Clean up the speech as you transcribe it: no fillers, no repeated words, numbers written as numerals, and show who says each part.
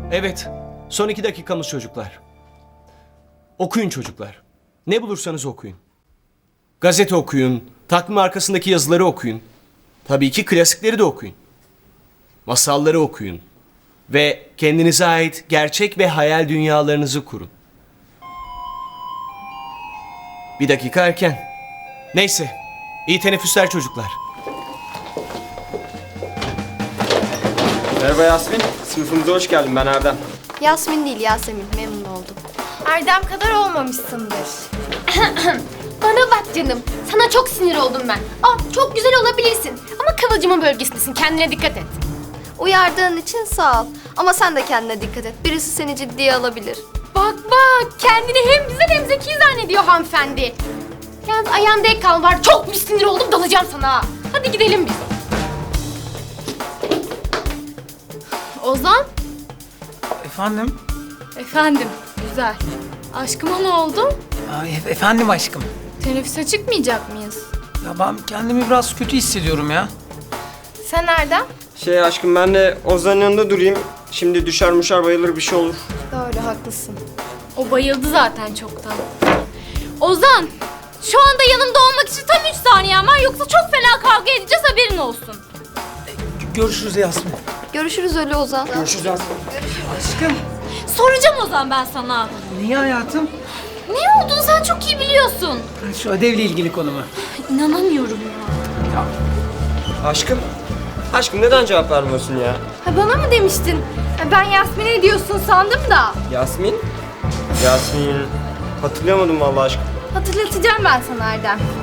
Speaker 1: Evet, son 2 dakikamız çocuklar. Okuyun çocuklar. Ne bulursanız okuyun. Gazete okuyun, takvim arkasındaki yazıları okuyun. Tabii ki klasikleri de okuyun. Masalları okuyun. Ve kendinize ait gerçek ve hayal dünyalarınızı kurun. Bir dakika erken. Neyse, iyi teneffüsler çocuklar.
Speaker 2: Merhaba Yasmin, sınıfımıza hoş geldin. Ben Erdem.
Speaker 3: Yasmin değil, Yasemin. Memnun oldum.
Speaker 4: Erdem kadar olmamışsındır. Bana bak canım, sana çok sinir oldum ben. Çok güzel olabilirsin ama kıvılcımın bölgesindesin, kendine dikkat et.
Speaker 3: Uyardığın için sağ ol. Ama sen de kendine dikkat et. Birisi seni ciddiye alabilir.
Speaker 4: Bak, kendini hem güzel hem zeki zannediyor hanımefendi. Yalnız ayağında ek kal var, çok bir sinir oldum, dalacağım sana ha. Hadi gidelim biz. Ozan?
Speaker 5: Efendim?
Speaker 4: Efendim, güzel. Aşkıma ne oldu?
Speaker 5: Efendim aşkım.
Speaker 4: Teneffüse çıkmayacak mıyız?
Speaker 5: Ya ben kendimi biraz kötü hissediyorum ya.
Speaker 4: Sen Erdem?
Speaker 2: Aşkım ben de Ozan'ın yanında durayım. Şimdi düşer muşar bayılır bir şey olur.
Speaker 3: Doğru, haklısın.
Speaker 4: O bayıldı zaten çoktan. Ozan! Şu anda yanımda olmak için tam 3 saniyen var, yoksa çok fena kavga edeceğiz, haberin olsun.
Speaker 5: Görüşürüz Yasmin.
Speaker 3: Görüşürüz öyle Ozan.
Speaker 5: Görüşürüz Yasmin. Aşkım.
Speaker 4: Soracağım Ozan ben sana.
Speaker 5: Niye hayatım?
Speaker 4: Ne olduğunu sen çok iyi biliyorsun.
Speaker 5: Şu ödevle ilgili konu mu?
Speaker 4: İnanamıyorum ya.
Speaker 2: Aşkım neden cevap vermiyorsun ya?
Speaker 4: Ha, bana mı demiştin? Ben Yasmin'e diyorsun sandım da.
Speaker 2: Yasmin? Yasmin... Hatırlayamadım vallahi aşkım.
Speaker 4: Hatırlatacağım ben sana Erdem.